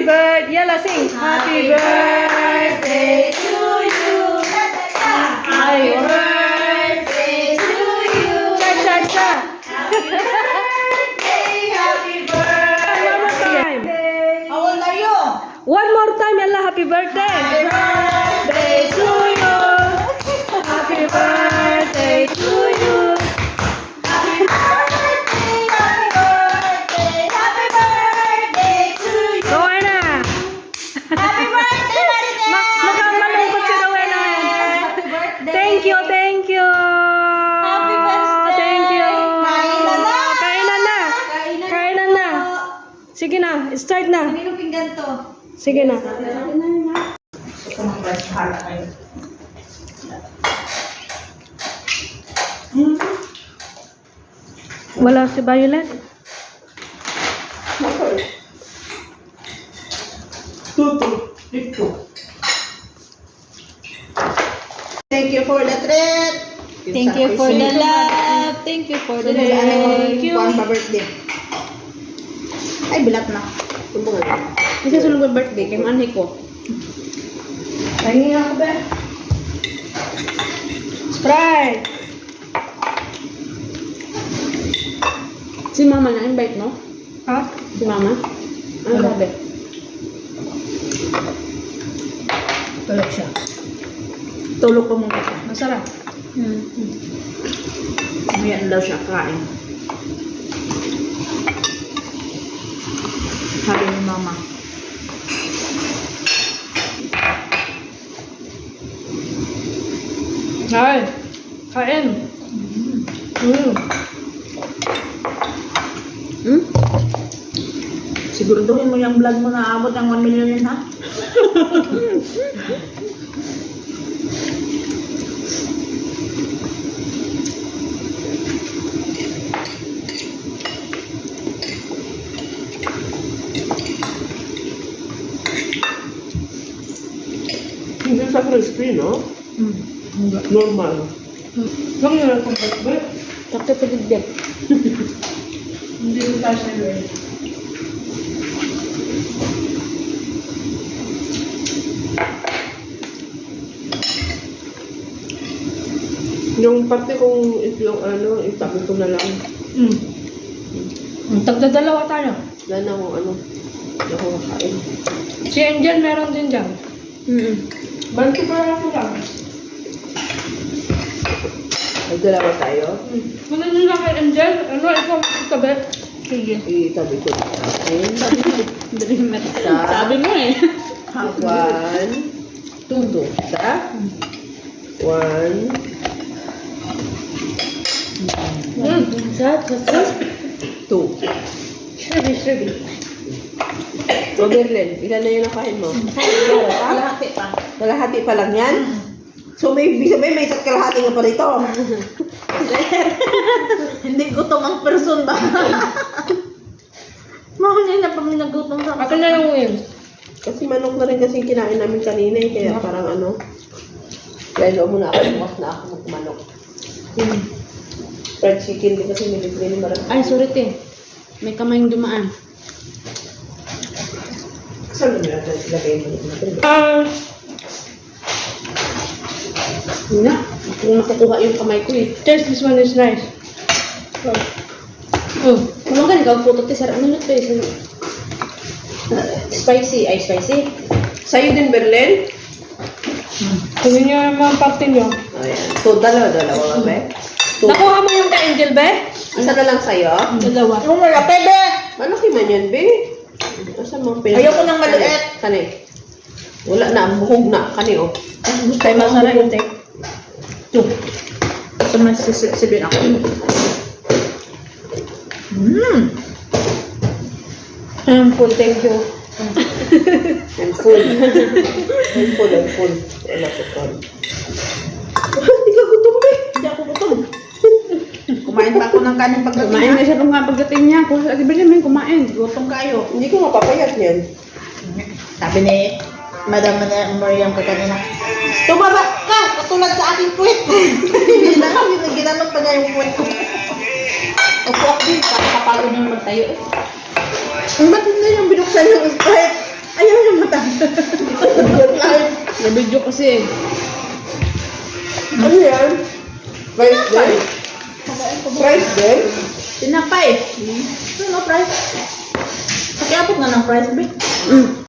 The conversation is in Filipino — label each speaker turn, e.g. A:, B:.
A: Happy birthday. Yala, sing. Happy birthday to you. Happy birthday to you. Cha-cha-cha.
B: Happy birthday.
A: One more time.
B: How old are you?
A: One more time, Yala. Happy birthday.
B: Happy birthday to you.
A: Happy birthday to you.
B: Happy birthday, happy birthday, happy birthday to you.
A: Rowena.
B: Happy birthday, Maribel.
A: Mukhang malungkot si Rowena.
B: Happy birthday.
A: Thank you, thank you.
B: Happy birthday.
A: Thank you.
B: Kainan na.
A: Kainan na. Kainan na. Sige na, start na.
B: Kanino pinggan to?
A: Sige na. Wala si Violet.
B: Thank you for the treat. Thank you for the love. Thank you for the
A: Thank you.
B: Kuan pa birthday. Ay, bilat na. Kasi sunod ko birthday, kay manay ko. Pahingi ako ba?
A: Sprite.
B: Si mama na-invite, no?
A: Ha?
B: Si mama? Ano sabi?
A: Tulog siya.
B: Tulog pa muna siya.
A: Masarap.
B: Mamaya na daw siya kain. Sabi ni mama.
A: Ay, kain.
B: Siguraduhin mo yung vlog mo na abot ng 1 million yun, ha?
C: Hindi sa crispy, no? Normal.
A: Huwag nyo lang kung ba't.
B: Takto sa digdig.
A: Hindi ko tayo siya gawin.
C: Yung parte kong itlog, itabi ko na lang.
A: Tagdadalawa tayo.
C: Wala na akong hindi ako kakain.
A: Si Angel meron din dyan. Banti pa lang ako lang.
C: Nagdalawa tayo.
A: Kung nyo lang kay Angel, ikaw itabi. Sige.
C: Itabi ko na natin.
B: Sabi mo eh.
C: 1, 2, isa. 1,
A: Sat.
C: 2.
A: Shrubby.
C: So, Berlin, ilan na yung nakain mo?
B: Kalahati pa.
C: Kalahati pa lang yan? So, may isa't kalahati nga pa rito.
B: Hindi gutom ang person ba? Mahuli na pa nagutom sa
A: Ako na yung wings.
C: Kasi manok na rin kasi kinain namin kanina eh, kaya parang kaya muna ako, bukas na ako magmanok. Fried chicken din kasi nilibre ni Marang.
B: Ay, sorry te. May kamayong dumaan.
C: Saan mo natin ilagay mo natin?
B: Hindi na. Kung nakukuha yung kamay ko eh.
A: Taste, this one is nice.
B: Kung ka ikaw puto te, sarap nunod to eh. Spicy. Ay, spicy.
C: Sa'yo din, Berlin?
A: Tingnan nyo yung mga parte nyo.
C: Ayan. So, dalawa ba, be?
A: Nakuha mo yung kay Angel, be?
C: Isa na lang sa'yo?
A: Dalawa.
B: Yung malaki be!
C: Malaki man yan, be. Asan mo?
B: Ayoko ng maliit.
C: Kani? Wala na, buhog na. Kani, oh.
A: Kay masarap yung take.
B: Ito. Gusto mo sisipin ako.
A: Full, thank you.
C: I'm full. I'm full. Wala ko pa. Hindi ka gutom, be.
B: Hindi ako gutom. Kumain pa ako ng kanin pagdating. Kumain na siya pang pagdating niya. Kung sa Ibrahim, kumain. Gutom kayo.
C: Hindi ko mapapayat yan.
B: Sabi ni Madam Mariam ka kanina, tumaba ka! Katulad sa aking puwet! Hindi na kami, ginanong pa niya yung puwet ko. Upo ako din, para kapagod nyo magtayo eh.
C: Ba't hindi yung binuksan yung Sprite? Na-video kasi. Ano yan? Price din? Price din?
B: Tinapay. Ano price? Pakiabot na ng price, be.